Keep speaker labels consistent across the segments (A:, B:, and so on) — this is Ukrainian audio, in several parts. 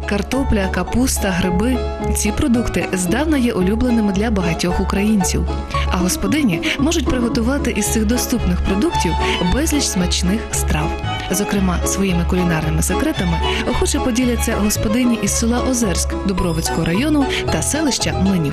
A: картопля, капуста, гриби – ці продукти здавна є улюбленими для багатьох українців. А господині можуть приготувати із цих доступних продуктів безліч смачних страв. Зокрема, своїми кулінарними секретами охоче поділяться господині із села Озерськ Дубровицького району та селища Млинів.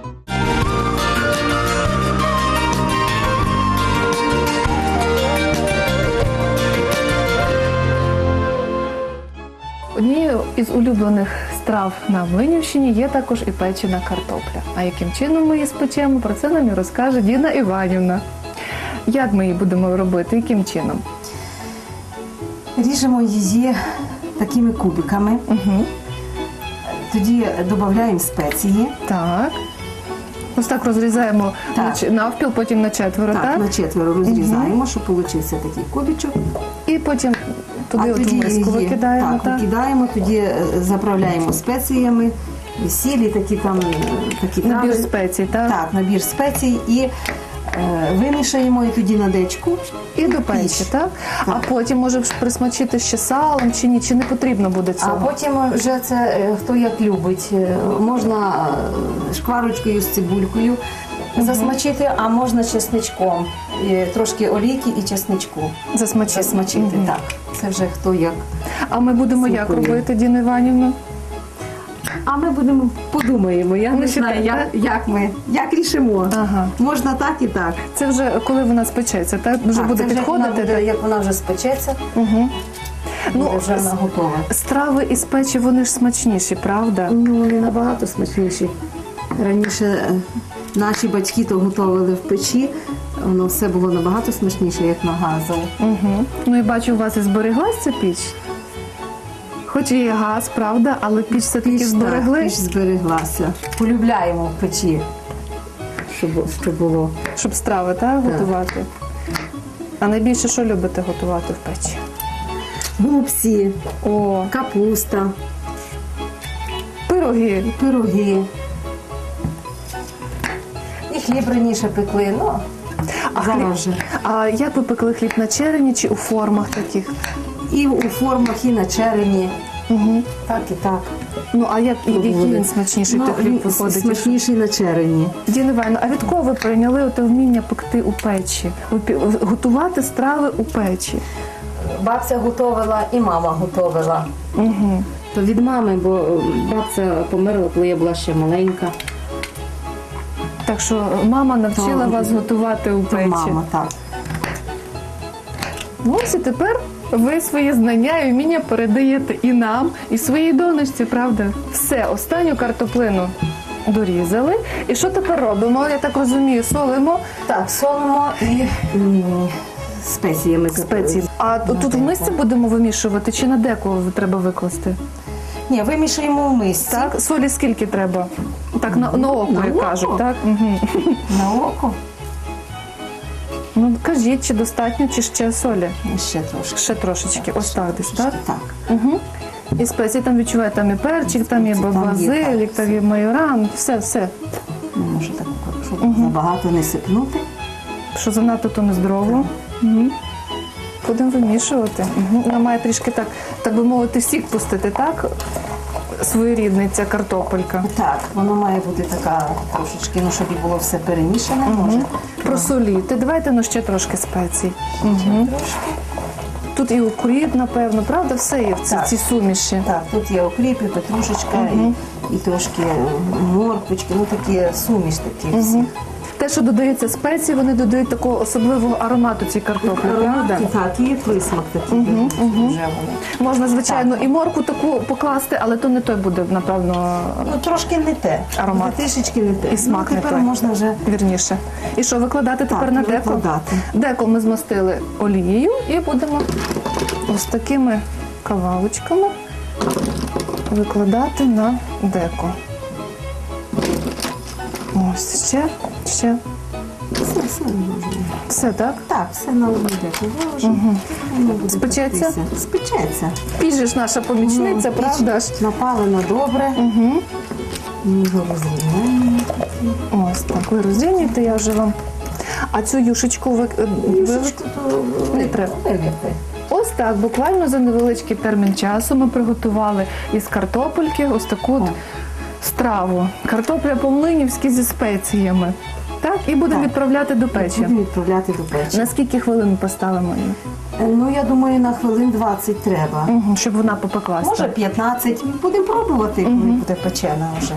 A: Однією із улюблених страв на Млинівщині є також і печена картопля. А яким чином ми її спечемо, про це нам і розкаже Діна Іванівна. Як ми її будемо робити, яким чином?
B: Ріжемо її такими кубиками.
A: Угу.
B: Тоді додаємо спеції.
A: Так. Ось так розрізаємо
B: Так.
A: навпіл, потім на четверо, так?
B: Так, на четверо розрізаємо, щоб получився такий кубичок.
A: І потім туди от
B: тоді
A: миску
B: її
A: викидаємо, так?
B: викидаємо, тоді заправляємо спеціями, сілі, такі
A: Набір
B: трави.
A: спецій, так?
B: Так, набір спецій і вимішаємо і тоді на дечку.
A: І до печі,
B: Піч.
A: так? А потім може присмачити ще салом чи ні? Чи не потрібно буде
B: А
A: цього?
B: потім вже це хто як любить. Можна шкварочкою з цибулькою засмачити, а можна чесничком. Трошки олійки і чесничку засмачити. Так. Це вже хто як.
A: А ми будемо як
B: Смакує.
A: робити, Діна Іванівна?
B: А ми подумаємо. Я не знаю,
A: так?
B: як рішимо.
A: Ага.
B: Можна так і так.
A: Це вже коли вона спечеться, так? Вже
B: Так,
A: буде
B: це вже
A: підходити?
B: як вона вже спечеться,
A: Угу.
B: буде вже вона готова.
A: Страви із печі, вони ж смачніші, правда?
B: Ну, вони набагато смачніші. Раніше наші батьки то готували в печі, воно все було набагато смачніше, як на газову.
A: Угу. Ну і бачу, у вас і збереглась ця піч? Хоч і є газ, правда, але піч все-таки зберегли,
B: Піч збереглася. Полюбляємо в печі, щоб було.
A: щоб страви, так, готувати. А найбільше що любите готувати в печі?
B: Голубці,
A: О,
B: капуста,
A: пироги.
B: пироги. І хліб раніше пекли, ну, зараз вже.
A: А як ви пекли хліб, на черені чи у формах таких?
B: І у формах, і на черені.
A: Угу.
B: Так і так.
A: Ну, а який він смачніший той хліб виходить?
B: Смачніший на черені.
A: Діна Іванівна, а від кого ви прийняли оте вміння пекти у печі? Готувати страви у печі?
B: Бабця готувала і мама готувала.
A: Угу.
B: То від мами, бо бабця померла, коли я була ще маленька.
A: Так що мама навчила
B: То-
A: вас готувати у
B: То
A: печі.
B: мама, так.
A: Ну, ось і тепер ви свої знання і вміння передаєте і нам, і своїй донечці, правда? Все, останню картоплину дорізали. І що тепер робимо? Я так розумію, солимо
B: Так, солимо і спеціями.
A: спеції. А тут в мисці будемо вимішувати чи на деко треба викласти?
B: Ні, вимішуємо в мисці.
A: Так, солі скільки треба? Так, на око,
B: На
A: як
B: око?
A: кажуть, так? Угу.
B: На око.
A: Ну, кажіть, чи достатньо, чи ще солі?
B: І ще трошки.
A: Ще трошечки, ось так десь, так?
B: Так.
A: Угу. І спеції там відчуває, там і перчик, там і
B: Спеції, там є,
A: базилік,
B: так,
A: там і майоран, все.
B: Не можу так, щоб забагато не сипнути.
A: Що занадто, то нездорово. Угу. Будемо вимішувати. Угу. Вона має трішки так би мовити, сік пустити, так? Своєрідний ця картопелька.
B: Так, воно має бути така трошечки, ну, щоб і було все перемішане. Може.
A: Просоліти. Давайте ще трошки спецій. Угу.
B: Трошки.
A: Тут і укріп, напевно, правда? Все є в
B: Так.
A: цій суміші.
B: Так, тут є окріп, і петрушечка, і трошки морквочки, ну такі суміш такі всі.
A: Те, що додається спеції, вони додають такого особливого аромату цій картоплі, правда?
B: Так, і присмак такий вже вони.
A: Можна, звичайно, і морку таку покласти, але то не той буде, напевно,
B: Ну, трошки не те.
A: Аромат.
B: Трішечки не те.
A: і смак
B: ну,
A: не
B: тепер
A: той.
B: можна вже
A: Вірніше. І що, викладати тепер
B: так,
A: на деко?
B: викладати.
A: Деко ми змастили олією і будемо ось такими кавалочками викладати на деко. Ось, ще.
B: Все можна.
A: Все, так?
B: Так, все на одну деку виложимо. Воно буде
A: Спечеться?
B: пектися. Спечеться.
A: Піч же ж наша помічниця,
B: Піч
A: правда ж?
B: напалено добре.
A: Угу.
B: Ми його розрівняємо.
A: Ось так, ви розрівнюєте, я вже вам. А цю юшечку ви
B: Юшечку то
A: не треба.
B: вилити.
A: Ось так, буквально за невеличкий термін часу ми приготували із картопельки ось таку от страву. Картопля по-млинівськи зі спеціями. Так, і будемо відправляти до печі.
B: Будемо відправляти до печі.
A: На скільки хвилин ми поставимо її?
B: Ну, я думаю, на хвилин 20 треба.
A: Щоб вона попеклася.
B: Може 15. Будемо пробувати, коли буде печена вже.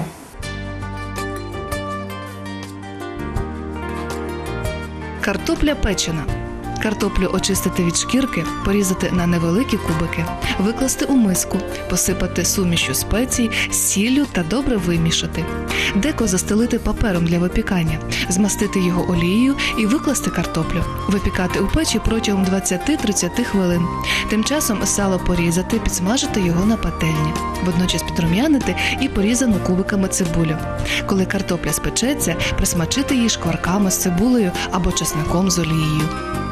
A: Картопля печена. Картоплю очистити від шкірки, порізати на невеликі кубики, викласти у миску, посипати сумішю спецій, сіллю та добре вимішати. Деко застелити папером для випікання, змастити його олією і викласти картоплю. Випікати у печі протягом 20-30 хвилин. Тим часом сало порізати, підсмажити його на пательні. Водночас підрум'янити і порізану кубиками цибулю. Коли картопля спечеться, присмачити її шкварками з цибулею або чесником з олією.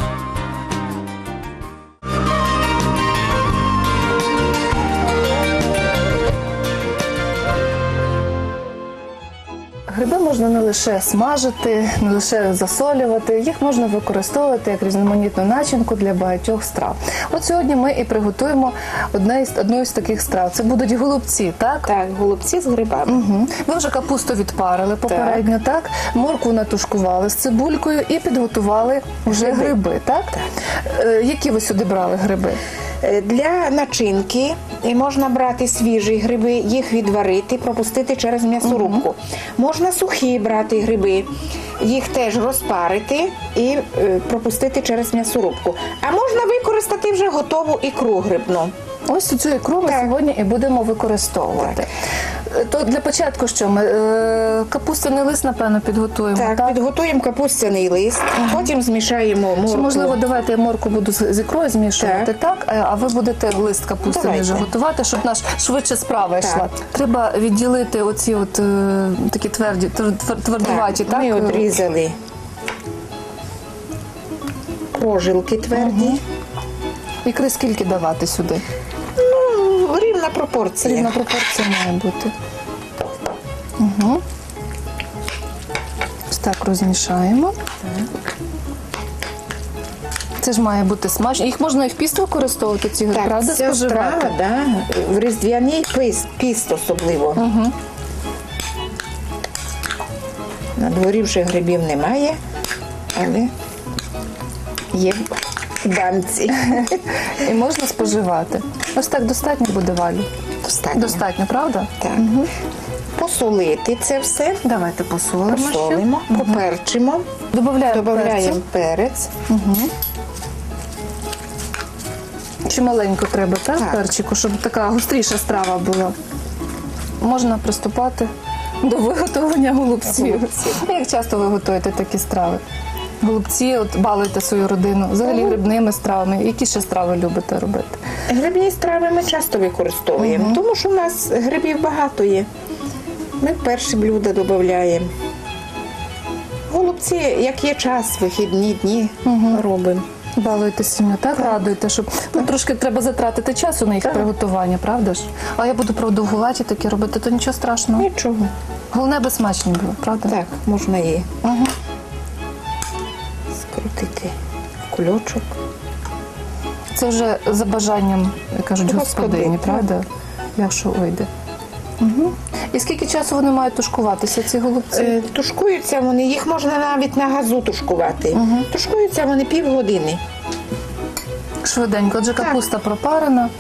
A: Гриби можна не лише смажити, не лише засолювати, їх можна використовувати як різноманітну начинку для багатьох страв. От сьогодні ми і приготуємо одну з таких страв. Це будуть голубці, так?
C: Так, голубці з грибами.
A: Угу. Ви вже капусту відпарили попередньо, так? Моркву натушкували з цибулькою і підготували вже гриби, так? Які ви сюди брали гриби?
C: Для начинки можна брати свіжі гриби, їх відварити, пропустити через м'ясорубку. Можна сухі брати гриби, їх теж розпарити і пропустити через м'ясорубку. А можна використати вже готову ікру грибну.
A: Ось цю ікру ми сьогодні і будемо використовувати. То для початку що ми? Капустяний лист, напевно, підготуємо, так?
C: Підготуємо капустяний лист, потім змішаємо моркву.
A: Чи, можливо, давайте я моркву буду з ікрою змішувати, так? А ви будете лист капустяний вже готувати, щоб наш швидше справа йшла. Треба відділити оці от такі твердуваті, так?
C: Ми відрізали прожилки тверді.
A: Ікри скільки давати сюди?
C: Рівна пропорція.
A: Рівна пропорція має бути. Угу. Ось так розмішаємо. Це ж має бути смачно. Їх можна і в піст використовувати, ці гриби, правда,
C: ця
A: споживати?
C: страва, в різдвяний піст особливо.
A: Угу.
C: На дворі вже грибів немає, але є в банці.
A: І можна споживати. Ось так достатньо буде, Валю?
C: Достатньо.
A: Достатньо, правда?
C: Так. Угу. Посолити це все.
A: Давайте посолимо.
C: Посолимо, поперчимо. Додаємо перець.
A: Угу. Чи маленько треба, так, перчику, щоб така густріша страва була? Можна приступати до виготовлення голубців. Як часто ви готуєте такі страви? Голубці, от балуєте свою родину, взагалі грибними стравами. Які ще страви любите робити?
C: Грибні страви ми часто використовуємо, тому що у нас грибів багато є. Ми перші блюда додаємо. Голубці, як є час, вихідні дні робимо.
A: Балуєте сім'ю, так? Радуєте, щоб трошки треба затратити часу на їх приготування, правда ж? А я буду продовгуваті такі робити, то нічого страшного.
C: Нічого.
A: Головне, аби смачні було, правда?
C: Так, можна її скрутити в кульочок.
A: Це вже за бажанням, як кажуть, господині, правда? Якщо вийде. Угу. І скільки часу вони мають тушкуватися, ці голубці?
C: Тушкуються вони, їх можна навіть на газу тушкувати. Тушкуються вони півгодини.
A: Швиденько. Отже, капуста пропарена,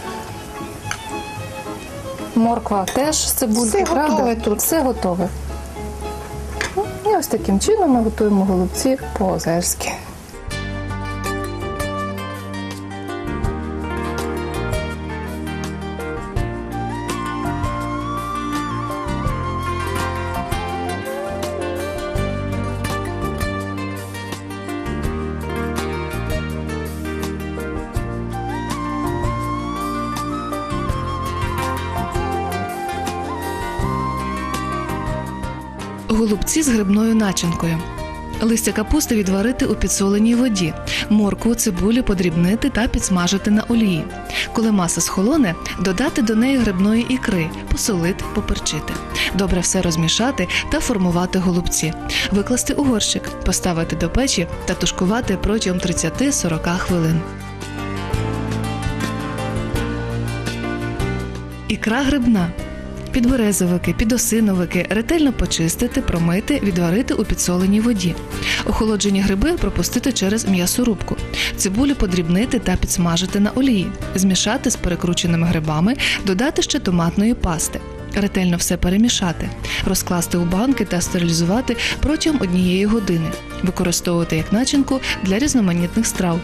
A: морква теж з цибулькою, правда?
C: Все готове тут.
A: Все готове. І ось таким чином ми готуємо голубці по-озерськи. Голубці з грибною начинкою. Листя капусти відварити у підсоленій воді, моркву, цибулю подрібнити та підсмажити на олії. Коли маса схолоне, додати до неї грибної ікри, посолити, поперчити. Добре все розмішати та формувати голубці. Викласти у горщик, поставити до печі та тушкувати протягом 30-40 хвилин. Ікра грибна. Підберезовики, підосиновики ретельно почистити, промити, відварити у підсоленій воді. Охолоджені гриби пропустити через м'ясорубку. Цибулю подрібнити та підсмажити на олії. Змішати з перекрученими грибами, додати ще томатної пасти. Ретельно все перемішати. Розкласти у банки та стерилізувати протягом 1 години. Використовувати як начинку для різноманітних страв.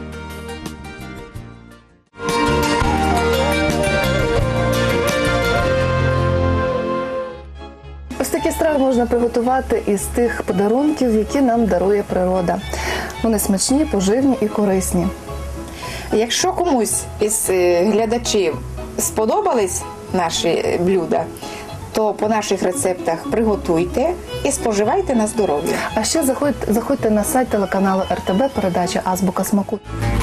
D: Ось такі страви можна приготувати із тих подарунків, які нам дарує природа. Вони смачні, поживні і корисні.
C: Якщо комусь із глядачів сподобались наші блюда, то по наших рецептах приготуйте і споживайте на здоров'я.
D: А ще заходьте на сайт телеканалу РТБ, передача «Азбука смаку».